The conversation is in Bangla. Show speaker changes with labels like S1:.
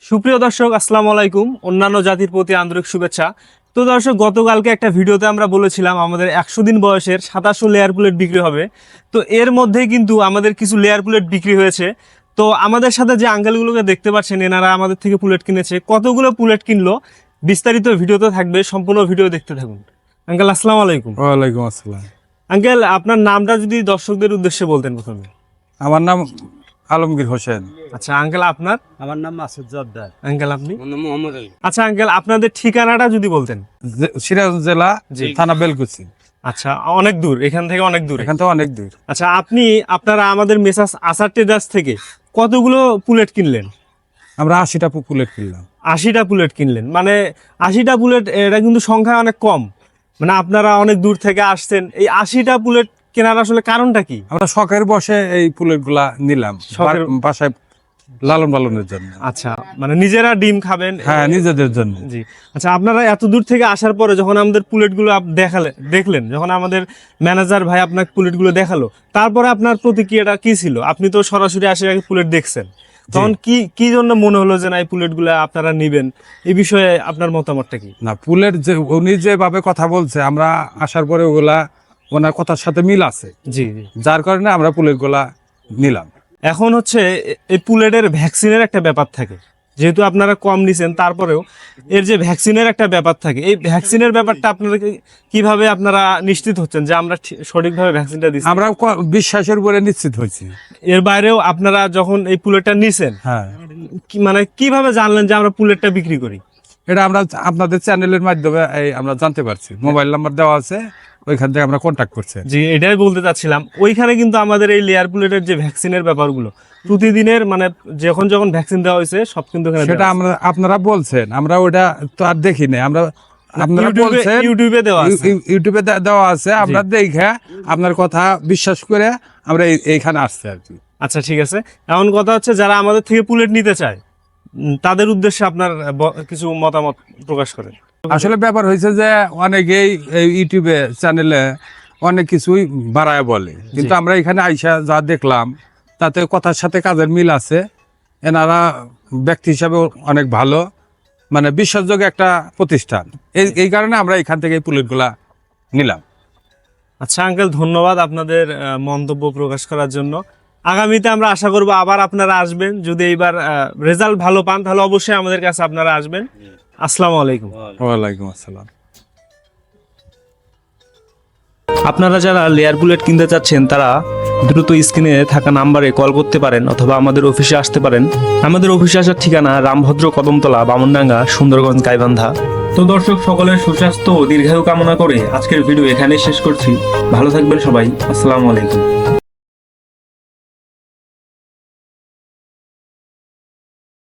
S1: সুপ্রিয় দর্শক, আসসালামু আলাইকুম। অন্যান্য জাতির প্রতি আন্তরিক শুভেচ্ছা। তো দর্শক, গতকালকে একটা ভিডিওতে আমরা বলেছিলাম আমাদের 100 দিন বয়সের 2700 লেয়ার পুলেট বিক্রি হবে। তো এর মধ্যেই কিন্তু আমাদের কিছু লেয়ার পুলেট বিক্রি হয়েছে। তো আমাদের সাথে যে আঙ্কেলগুলোকে দেখতে পাচ্ছেন, এনারা আমাদের থেকে পুলেট কিনেছে। কতগুলো পুলেট কিনলো বিস্তারিত ভিডিওতে থাকবে, সম্পূর্ণ ভিডিও দেখতে থাকুন। আঙ্কেল, আসসালামু আলাইকুম।
S2: ওয়ালাইকুম আসসালাম।
S1: আঙ্কেল, আপনার নামটা যদি দর্শকদের উদ্দেশ্যে বলতেন প্রথমে।
S2: আমার নাম আলমগীর হোসেন।
S1: আচ্ছা আঙ্কেল, আপনার?
S3: আমার নাম মাসুদ জর্দার।
S1: আঙ্কেল, আপনি?
S3: আমার নাম মোহাম্মদ আলী।
S1: আচ্ছা আঙ্কেল, আপনাদের ঠিকানাটা যদি বলতেন।
S2: সিরাজ জেলা,
S1: জি।
S2: থানা বেলকুচি।
S1: আচ্ছা, অনেক দূর, এখান থেকে অনেক দূর।
S2: এখান থেকে অনেক দূর।
S1: আচ্ছা, আপনারা আমাদের মেসাস আসার ট্রেডার্স থেকে কতগুলো পুলেট কিনলেন?
S2: আমরা 80টা পুলেট কিনলাম।
S1: 80টা পুলেট কিনলেন, মানে 80টা পুলেট, এটা কিন্তু সংখ্যা অনেক কম। মানে আপনারা অনেক দূর থেকে আসছেন, এই 80টা পুলেট কেনার আসলে কারণটা কি?
S2: আমরা শখের বসে এই পুলেট গুলা নিলাম,
S1: শখের-
S2: বাসায় লালন পালনের জন্য।
S1: আচ্ছা, মানে নিজেরা ডিম খাবেন?
S2: হ্যাঁ, নিজেদের জন্য।
S1: জি। আচ্ছা, আপনারা এত দূর থেকে আসার পরে যখন আমাদের পুলেটগুলো দেখলেন, যখন আমাদের ম্যানেজার ভাই আপনাকে পুলেটগুলো দেখালো, তারপরে আপনার প্রতিক্রিয়াটা কি ছিল? আপনি তো সরাসরি আসে আগে পুলেট দেখছেন, তখন কি জন্য মনে হলো যে না, এই পুলেটগুলো আপনারা নিবেন? এই বিষয়ে আপনার মতামতটা কি?
S2: না, পুলেট যে উনি যেভাবে কথা বলছে, আমরা আসার পরে ওগুলা ওনার কথার সাথে মিল আছে,
S1: জি জি।
S2: যার কারণে আমরা পুলেট গুলা নিলাম।
S1: এখন হচ্ছে এই পুলেটের ভ্যাকসিনের একটা ব্যাপার থাকে, যেহেতু আপনারা কম নিছেন, তারপরেও এর যে ভ্যাকসিনের একটা ব্যাপার থাকে, এই ভ্যাকসিনের ব্যাপারটা আপনারা কিভাবে আপনারা নিশ্চিত হচ্ছেন যে আমরা সঠিকভাবে ভ্যাকসিনটা দিচ্ছি?
S2: আমরা বিশ্বাসের উপরে নিশ্চিত হয়েছি।
S1: এর বাইরেও আপনারা যখন এই পুলেটটা নিছেন,
S2: হ্যাঁ,
S1: মানে কিভাবে জানলেন যে আমরা পুলেটটা বিক্রি করি?
S2: এটা আমরা আপনাদের চ্যানেলের মাধ্যমে আমরা জানতে পারছি। মোবাইল নাম্বার দেওয়া আছে, ওইখান থেকে আমরা কন্ট্যাক্ট করছি।
S1: জি, এটাই বলতে চাচ্ছিলাম। ওইখানে কিন্তু আমাদের এই লেয়ার পুলেটের যে ভ্যাকসিনের ব্যাপারগুলো প্রতিদিনের, মানে যখন ভ্যাকসিন দেওয়া হয়েছে সব কিন্তু এখানে
S2: সেটা
S1: দেওয়া আছে।
S2: আপনারা বলছেন, আমরা ওটা তো আর দেখি নাই। আমরা আপনারা বলছেন
S1: ইউটিউবে দেওয়া আছে।
S2: ইউটিউবে দেওয়া আছে, আমরা দেখে আপনার কথা বিশ্বাস করে আমরা এইখানে আসছি আর কি।
S1: আচ্ছা, ঠিক আছে। এমন কথা হচ্ছে, যারা আমাদের থেকে পুলেট নিতে চায় তাদের উদ্দেশ্যে আপনার কিছু মতামত প্রকাশ করেন।
S2: আসলে ব্যাপার হয়েছে যে অনেকেই এই ইউটিউবে চ্যানেলে অনেক কিছুই বাড়ায় বলে, কিন্তু আমরা এখানে আইসা যা দেখলাম তাতে কথার সাথে কাজের মিল আছে। এনারা ব্যক্তি হিসাবে অনেক ভালো, মানে বিশ্বাসযোগ্য একটা প্রতিষ্ঠান। এই কারণে আমরা এখান থেকে এই পুলেটগুলা নিলাম।
S1: আচ্ছা আঙ্কেল, ধন্যবাদ আপনাদের মন্তব্য প্রকাশ করার জন্য। আগামীতে আমরা আশা করব আবার আপনারা আসবেন। যদি এইবার রেজাল্ট ভালো পান, তাহলে অবশ্যই আমাদের কাছে আপনারা আসবেন। আসসালামু আলাইকুম।
S2: ওয়ালাইকুম আসসালাম।
S4: আপনারা যারা লেয়ার বুলেট কিনতে চাচ্ছেন, তারা দ্রুত স্ক্রিনে থাকা নাম্বারে কল করতে পারেন অথবা আমাদের অফিসে আসতে পারেন। আমাদের অফিসে আসার ঠিকানা রামভদ্র কদমতলা, বামনডাঙ্গা, সুন্দরগঞ্জ, গাইবান্ধা। তো দর্শক, সকলের সুস্বাস্থ্য ও দীর্ঘায়ু কামনা করে আজকের ভিডিও এখানেই শেষ করছি। ভালো থাকবেন সবাই। আসসালামু আলাইকুম।